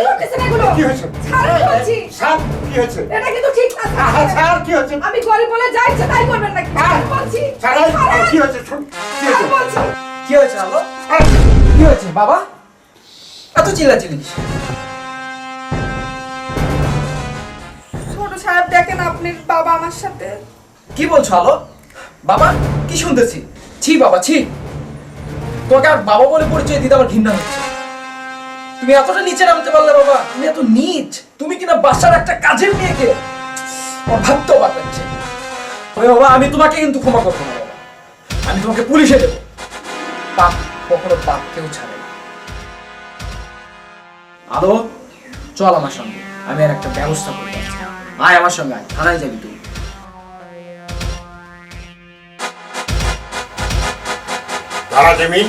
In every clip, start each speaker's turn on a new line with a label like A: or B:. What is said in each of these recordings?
A: করতেছেন এগুলো?
B: কি হয়েছে?
A: ছাড়েন বলছি।
B: স্যার কি হয়েছে?
A: এটা কিন্তু ঠিক না।
B: স্যার কি হয়েছে?
A: আমি গরিব বলে যা ইচ্ছে তাই করবেন নাকি? ছাড়েন বলছি।
B: স্যার কি হয়েছে? শুন কি
A: ছাড়েন
B: হয়েছে?
A: বলছি।
C: কি হয়েছে আলো?
B: স্যার,
C: কি হয়েছে বাবা? এত চিল্লাচিল্লি কিসের?
A: ছোট সাহেব দেখেন আপনার বাবা আমার সাথে।
C: কি বলছো আলো? বাবা কি শুনতেছি? ছি বাবা ছি। তোমাকে আর বাবা বলে পরিচয় দিতে আমার ঘৃণা হচ্ছে। তুমি এতটা নিচে নামতে পারলে বাবা? তুমি এত নীচ। তুমি কিনা বাসার একটা কাজের মেয়েকে আমার ভাবতেও পার লাগছে। তবে বাবা আমি তোমাকে কিন্তু ক্ষমা করবো না বাবা। আমি তোমাকে পুলিশে দেবো। পাপ কখনো পাপ কেউ ছাড়ে না। আলো চল আমার সঙ্গে, আমি আর একটা ব্যবস্থা করে দিচ্ছি। আয় আমার সঙ্গে আয়, থানায় যাবি তুই।
B: দাঁড়া জেমিন,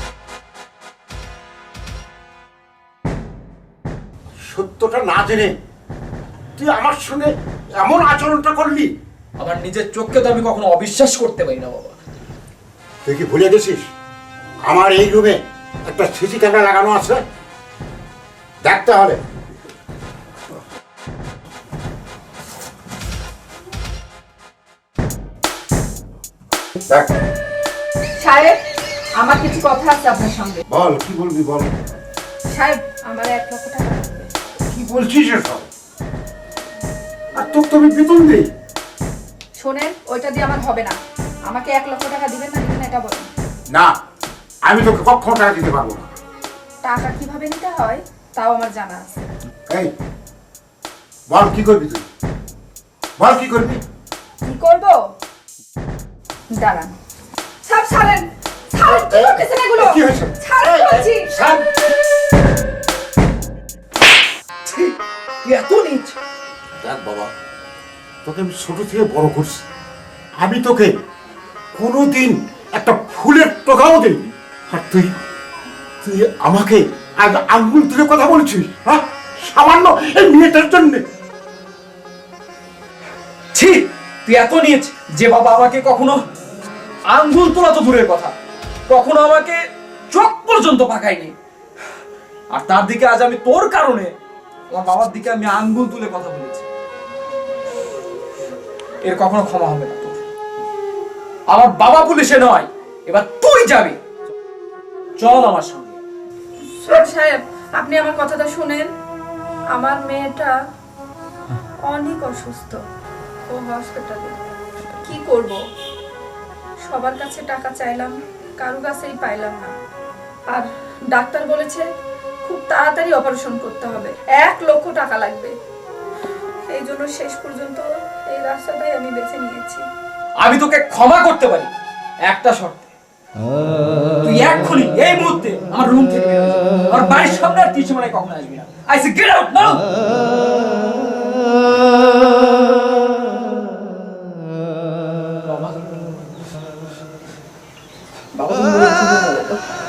B: সত্যটা না জেনে তুই আমার সঙ্গে এমন আচরণটা করলি?
C: আমার নিজের চোখকে তো আমি কখনো অবিশ্বাস করতে পারি না বাবা।
B: তুই কি ভুলে গেছিস আমার এই রুমে একটা সিসি ক্যামেরা লাগানো আছে? দেখতে হবে। দেখ,
A: সাহেব আমার কিছু কথা আছে আপনার সঙ্গে।
B: বল কি বলবি বল।
A: সাহেব আমার 1 লক্ষ টাকা লাগবে।
B: কি বলছিস এসব? আর তোকে তো আমি বেতন দিই।
A: শোনেন, ওইটা দিয়ে আমার হবে না। আমাকে 1 লক্ষ টাকা দিবেন না দিবেন না এটা বলেন।
B: না, আমি তোকে কখনো টাকা দিতে পারবো না।
A: টাকা কিভাবে নিতে হয় তাও আমার জানা আছে।
B: এই বল কি করবি তুই? বল কি করবি?
A: কি করব? দাঁড়ান। সব ছাড়েন। ছাড়েন, কি করতেছেন এগুলো?
B: কি হয়েছে?
A: ছাড়েন বলছি।
B: স্যার,
C: ছি, তুই এত নিচ।
B: দেখ বাবা, তোকে আমি ছোট থেকে বড় করছি। আমি তোকে কোনোদিন একটা ফুলের টোকাও দিইনি। আর তুই তুই আমাকে আজ আঙ্গুল তুলে কথা বলছিস? হ্যাঁ, সামান্য এই মেয়েটার জন্য?
C: ছি, তুই এত নিচ যে বাবা আমাকে কখনো আঙ্গুল তোলা তো দূরের কথা, কখনো আমাকে চোখ পর্যন্ত পাকায়নি। আর তার দিকে আজ আমি তোর কারণে আমার বাবার দিকে আমি আঙ্গুল তুলে কথা বলেছি। এর কখনো ক্ষমা হবে না তোর। আমার বাবা পুলিশে নয়, এবার তুই যাবি। চল আমার সঙ্গে।
A: ছোট সাহেব আপনি আমার কথাটা শুনেন। আমার মেয়েটা অনেক অসুস্থ, ও হসপিটালে। কি করব? সবার কাছে টাকা চাইলাম, কারো কাছেই পাইলাম না। আর ডাক্তার বলেছে খুব তাড়াতাড়ি অপারেশন করতে হবে, 1 লক্ষ টাকা লাগবে। এই জন্য শেষ পর্যন্ত এই রাস্তাটাই আমি বেছে নিয়েছি।
C: আমি তোকে ক্ষমা করতে পারি একটা শর্তে। তুই এক্ষুনি এই মুহূর্তে আমার রুম থেকে বের হয়ে যা। আমার বাড়ির সামনে আর কিছু মানে কখনো আসবি না। I say get out now. বাবা তুমি বলে